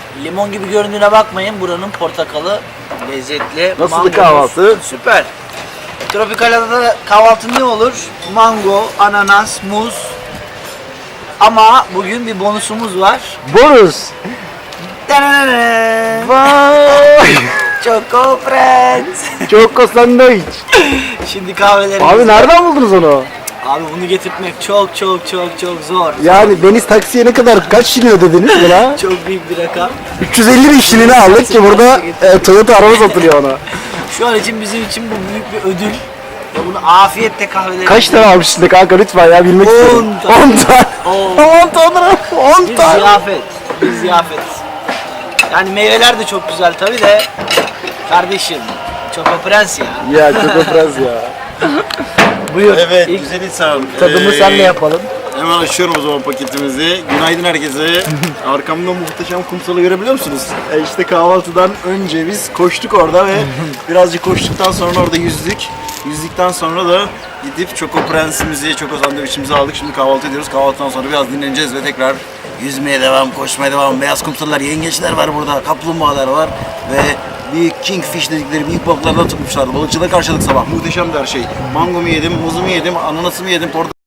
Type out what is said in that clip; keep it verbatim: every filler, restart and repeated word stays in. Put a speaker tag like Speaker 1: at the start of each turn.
Speaker 1: Limon gibi göründüğüne bakmayın. Buranın portakalı lezzetli.
Speaker 2: Nasıl
Speaker 1: Mangomuş
Speaker 2: kahvaltı?
Speaker 1: Süper. Tropikal adada kahvaltı ne olur? Mango, ananas, muz. Ama bugün bir bonusumuz var.
Speaker 2: Bonus.
Speaker 1: Dananana.
Speaker 2: Vay.
Speaker 1: Choco Friends.
Speaker 2: Choco sandviç.
Speaker 1: Şimdi kahvelerimiz.
Speaker 2: Abi nereden buldunuz onu?
Speaker 1: Abi bunu getirtmek çok çok çok çok zor.
Speaker 2: Yani Deniz taksiye ne kadar kaç şilin ödediniz buna?
Speaker 1: Çok büyük bir rakam.
Speaker 2: üç yüz elli bin şilini aldık ki burada e, Toyota araba satılıyor ona.
Speaker 1: Şu an için bizim için bu büyük bir ödül. Ve bunu afiyetle kahvelerimiz.
Speaker 2: Kaç tane almışsın de kanka lütfen ya bilmek
Speaker 1: On
Speaker 2: istiyorum.
Speaker 1: tane.
Speaker 2: on tane.
Speaker 1: On.
Speaker 2: on tane. on
Speaker 1: Bir
Speaker 2: tane.
Speaker 1: ziyafet. Bir ziyafet. Yani meyveler de çok güzel tabi de. Kardeşim. Choco Prens ya.
Speaker 2: Ya Choco Prens ya.
Speaker 1: Buyur.
Speaker 3: Evet,
Speaker 1: İlk
Speaker 3: güzel insan.
Speaker 1: tadımı
Speaker 3: Ee,
Speaker 1: senle yapalım.
Speaker 3: Hemen açıyorum o zaman paketimizi. Günaydın herkese. Arkamda muhteşem kumsalı görebiliyor musunuz? E işte kahvaltıdan önce biz koştuk orada ve birazcık koştuktan sonra orada yüzdük. Yüzdükten sonra da gidip Choco Prens'imizi, Choco sandviçimizi aldık. Şimdi kahvaltı ediyoruz. Kahvaltıdan sonra biraz dinleneceğiz ve tekrar yüzmeye devam, koşmaya devam. Beyaz kumsallar, yengeçler var burada, kaplumbağalar var ve büyük kingfish dedikleri büyük balıklardan tutmuşlardı. Balıkçıda karşıladık sabah. Muhteşemdi her şey. Mangomu yedim, muzumu yedim, ananasımı yedim, portakal